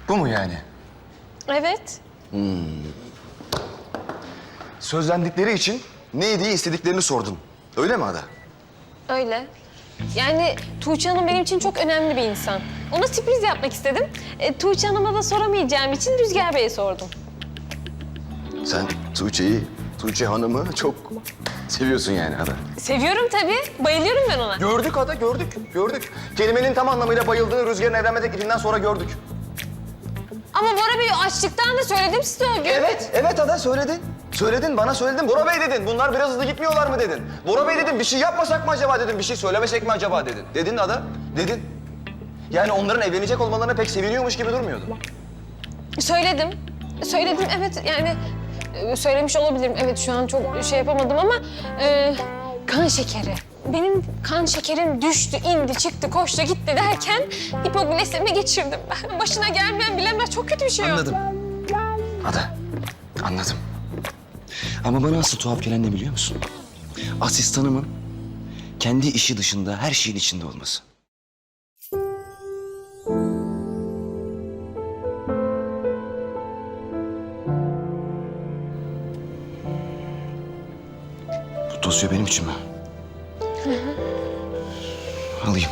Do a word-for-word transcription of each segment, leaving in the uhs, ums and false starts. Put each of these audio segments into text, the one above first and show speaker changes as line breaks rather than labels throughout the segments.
Bu mu yani?
Evet.
Sözlendikleri için ne diye istediklerini sordun. Öyle mi Ada?
Öyle. Yani Tuğçe Hanım benim için çok önemli bir insan. Ona sürpriz yapmak istedim. E, Tuğçe Hanım'a da soramayacağım için Rüzgar Bey'e sordum.
Sen Tuğçe'yi, Tuğçe Hanım'ı çok seviyorsun yani Ada.
Seviyorum tabii. Bayılıyorum ben ona.
Gördük Ada, gördük, gördük. Kelimenin tam anlamıyla bayıldığını Rüzgar'ın evlenme teklifinden sonra gördük.
Ama Bora Bey açlıktan da söyledim size o gün.
Evet, evet Ada söyledin. Söyledin, bana söyledin. Bora Bey dedin. Bunlar biraz hızlı gitmiyorlar mı dedin. Bora Bey dedim, bir şey yapmasak mı acaba dedim. Bir şey söylemesek mi acaba dedin. Dedin Ada, dedin. Yani onların evlenecek olmalarına pek seviniyormuş gibi durmuyordun.
Söyledim. Söyledim evet yani e, söylemiş olabilirim. Evet şu an çok şey yapamadım ama e, kan şekeri. Benim kan şekerim düştü, indi, çıktı, koştu, gitti derken hipoglisemi geçirdim ben. Başına gelmeyen bilemez. Çok kötü bir şey o.
Anladım. Ada, anladım. Ama bana asıl tuhaf gelen ne biliyor musun? Asistanımın kendi işi dışında her şeyin içinde olması. Bu dosya benim için mi?
Hı hı.
Alayım.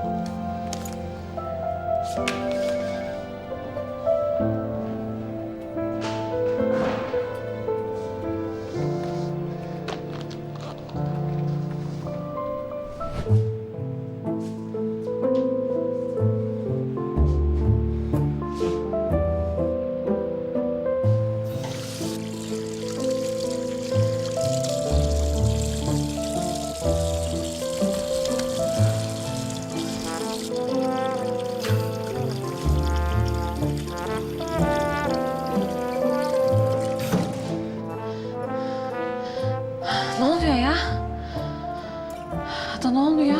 Ne oluyor ya? Ada ne oluyor?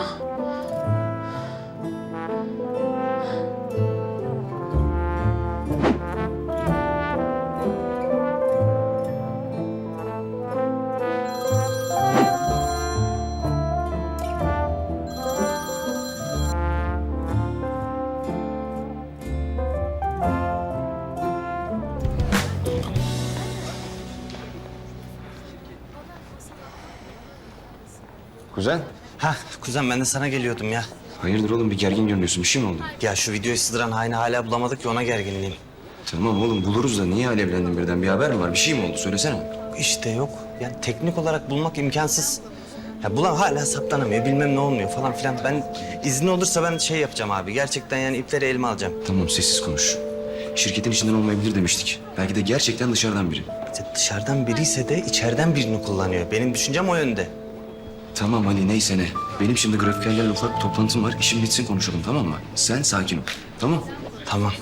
Kuzen.
Ha kuzen ben de sana geliyordum ya.
Hayırdır oğlum bir gergin görünüyorsun. Bir şey mi oldu?
Ya şu videoyu sızdıran haini hala bulamadık ya ona gerginliğim.
Tamam oğlum buluruz da niye alevlendin birden? Bir haber mi var? Bir şey mi oldu? Söylesene.
İşte yok. Yani teknik olarak bulmak imkansız. Ya bulan hala saptanamıyor bilmem ne olmuyor falan filan. Ben izni olursa ben şey yapacağım abi. Gerçekten yani ipleri elime alacağım.
Tamam sessiz konuş. Şirketin içinden olmayabilir demiştik. Belki de gerçekten dışarıdan biri.
İşte dışarıdan biri ise de içeriden birini kullanıyor. Benim düşüncem o yönde.
Tamam Ali neyse ne. Benim şimdi grafikerlerle ufak bir toplantım var. İşim bitsin konuşalım tamam mı? Sen sakin ol. Tamam.
Tamam.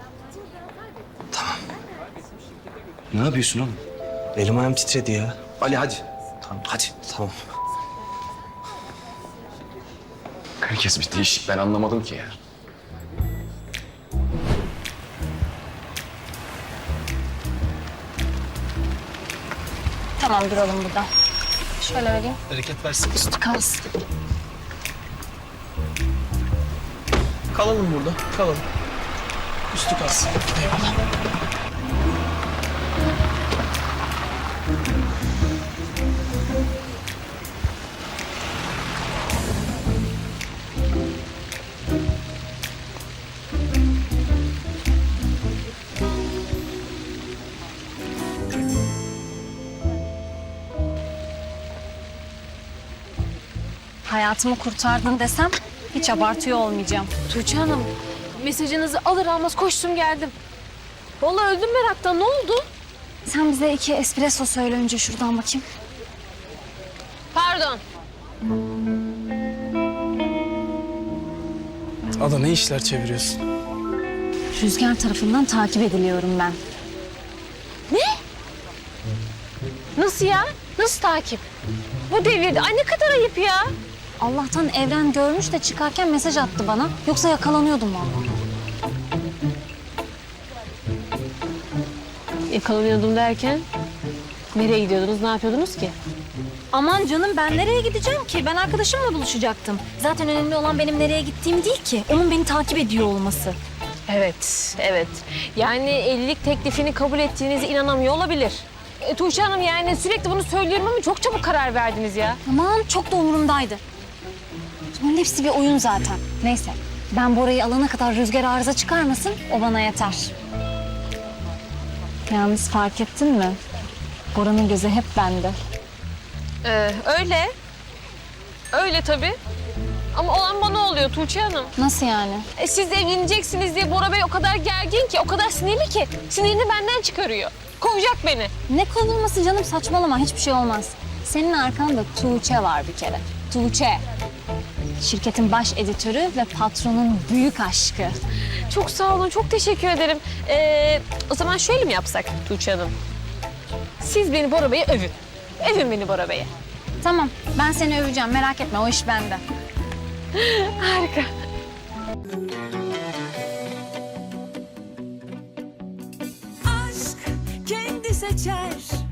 Ne yapıyorsun oğlum?
Elim ayağım titredi ya.
Ali hadi. Tamam hadi.
Tamam.
Herkes bir değişik. Ben anlamadım ki ya.
Tamam duralım burada. Şöyle vereyim.
Hareket versin.
Üstü kalsın.
Kalalım burada. Kalalım. Üstü kalsın. Eyvallah.
Hayatımı kurtardın desem hiç abartıyor olmayacağım.
Tuğçe Hanım mesajınızı alır almaz koştum geldim. Vallahi öldüm meraktan. Ne oldu?
Sen bize iki espresso söyle önce şuradan bakayım.
Pardon.
Ada ne işler çeviriyorsun?
Rüzgar tarafından takip ediliyorum ben.
Nasıl ya? Nasıl takip? Bu devirde. Ay ne kadar ayıp ya.
Allah'tan Evren görmüş de çıkarken mesaj attı bana. Yoksa yakalanıyordum vallahi.
Yakalanıyordum derken? Nereye gidiyordunuz, ne yapıyordunuz ki?
Aman canım ben nereye gideceğim ki? Ben arkadaşımla buluşacaktım. Zaten önemli olan benim nereye gittiğim değil ki. Onun beni takip ediyor olması.
Evet, evet. Yani evlilik teklifini kabul ettiğinize inanamıyor olabilir. E, Tuğçe Hanım yani sürekli bunu söylüyorum ama çok çabuk karar verdiniz ya.
Aman çok da umurumdaydı. Bunun hepsi bir oyun zaten. Neyse ben Bora'yı alana kadar Rüzgar arıza çıkarmasın, o bana yeter. Yalnız fark ettin mi? Bora'nın gözü hep bende.
Ee, öyle. Öyle tabii. Ama olan bana oluyor Tuğçe Hanım.
Nasıl yani?
E, siz evleneceksiniz diye Bora Bey o kadar gergin ki, o kadar sinirli ki. Sinirini benden çıkarıyor. Kovacak beni.
Ne kovulması canım, saçmalama, hiçbir şey olmaz. Senin arkanda Tuğçe var bir kere. Tuğçe. Şirketin baş editörü ve patronun büyük aşkı.
Çok sağ olun, çok teşekkür ederim. Ee, o zaman şöyle mi yapsak Tuğçe Hanım? Siz beni Bora Bey'e övün. Övün beni Bora Bey'e.
Tamam, ben seni öveceğim, merak etme, o iş bende.
Harika.
aşk kendi seçer